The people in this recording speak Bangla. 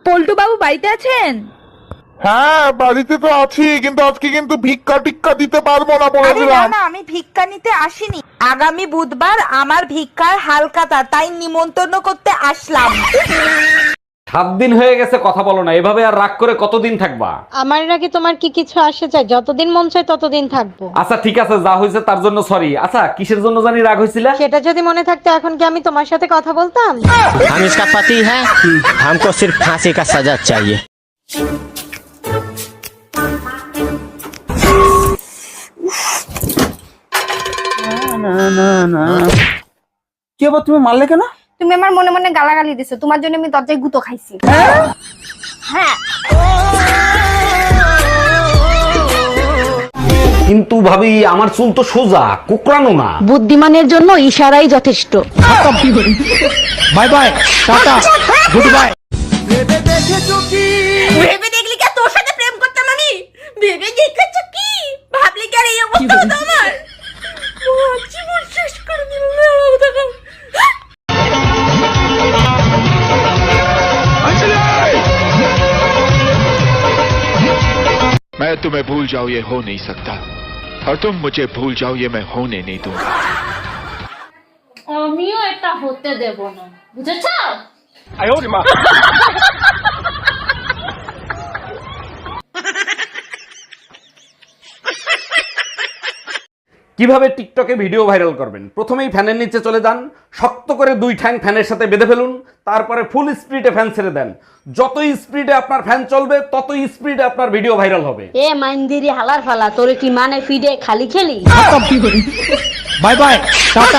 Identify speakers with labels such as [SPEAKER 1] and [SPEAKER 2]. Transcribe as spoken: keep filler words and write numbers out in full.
[SPEAKER 1] পল্টু বাবু বাড়িতে আছেন?
[SPEAKER 2] হ্যাঁ বাড়িতে তো আছি, কিন্তু আজকে কিন্তু ভিক্ষা টিক্কা দিতে পারবো না বলে
[SPEAKER 3] আরে না
[SPEAKER 2] দিলাম।
[SPEAKER 3] না, আমি ভিক্ষা নিতে আসিনি। আগামী বুধবার আমার ভিক্ষার হালখাতা, তাই নিমন্ত্রণ করতে আসলাম।
[SPEAKER 4] সাত দিন হয়ে গেছে কথা বলো না, এভাবে আর রাগ করে কতদিন থাকবা?
[SPEAKER 5] আমার নাকি তোমার কি কিছু আসে চাই? যতদিন মন চায় ততদিন থাকবো।
[SPEAKER 4] আচ্ছা ঠিক আছে, যা হয়েছে তার জন্য সরি। আচ্ছা কিসের জন্য জানি রাগ হয়েছিল?
[SPEAKER 5] সেটা যদি মনে থাকতো এখন কি আমি তোমার সাথে কথা বলতাম?
[SPEAKER 6] हम इसका पति है, हमको सिर्फ फांसी का सजा चाहिए।
[SPEAKER 7] কি আবার তুমি মারলে কেন?
[SPEAKER 8] তুমি আমার মনে মনে গালাগালি দিছো, তোমার জন্য আমি দরজায় গুঁতো খাইছি। হ্যাঁ
[SPEAKER 4] কিন্তু ভাবি আমার চুল তো সোজা, কুকরানো না।
[SPEAKER 5] বুদ্ধিমানের জন্য ইশারাই যথেষ্ট।
[SPEAKER 7] Bye bye, tata, good bye.
[SPEAKER 3] ভেবে দেখলি কি তোর সাথে প্রেম করতাম আমি? ভেবে দেখেছ কি? ভাবলি কি আর এই অবস্থা হতো আমার? জীবন শেষ করে দিল।
[SPEAKER 9] मैं तुम्हें भूल जाऊं ये हो नहीं सकता, और तुम मुझे भूल जाओ ये मैं होने नहीं दूंगा।
[SPEAKER 10] আমিও এটা হতে দেব না, বুঝেছো?
[SPEAKER 4] কিভাবে টিকটকে ভিডিও ভাইরাল করবেন? প্রথমেই ফ্যানের নিচে চলে যান, শক্ত করে দুই ঠ্যাং ফ্যানের সাথে বেঁধে ফেলুন, তারপরে ফুল স্পিডে ফ্যান ছেড়ে দেন। যতই স্পিডে আপনার ফ্যান চলবে ততই স্পিডে আপনার ভিডিও ভাইরাল হবে।
[SPEAKER 5] এ মাইন্দিরি হালার ফালা, তোরে কি মানে ফিডে খালি খেলি?
[SPEAKER 7] Bye bye, tata.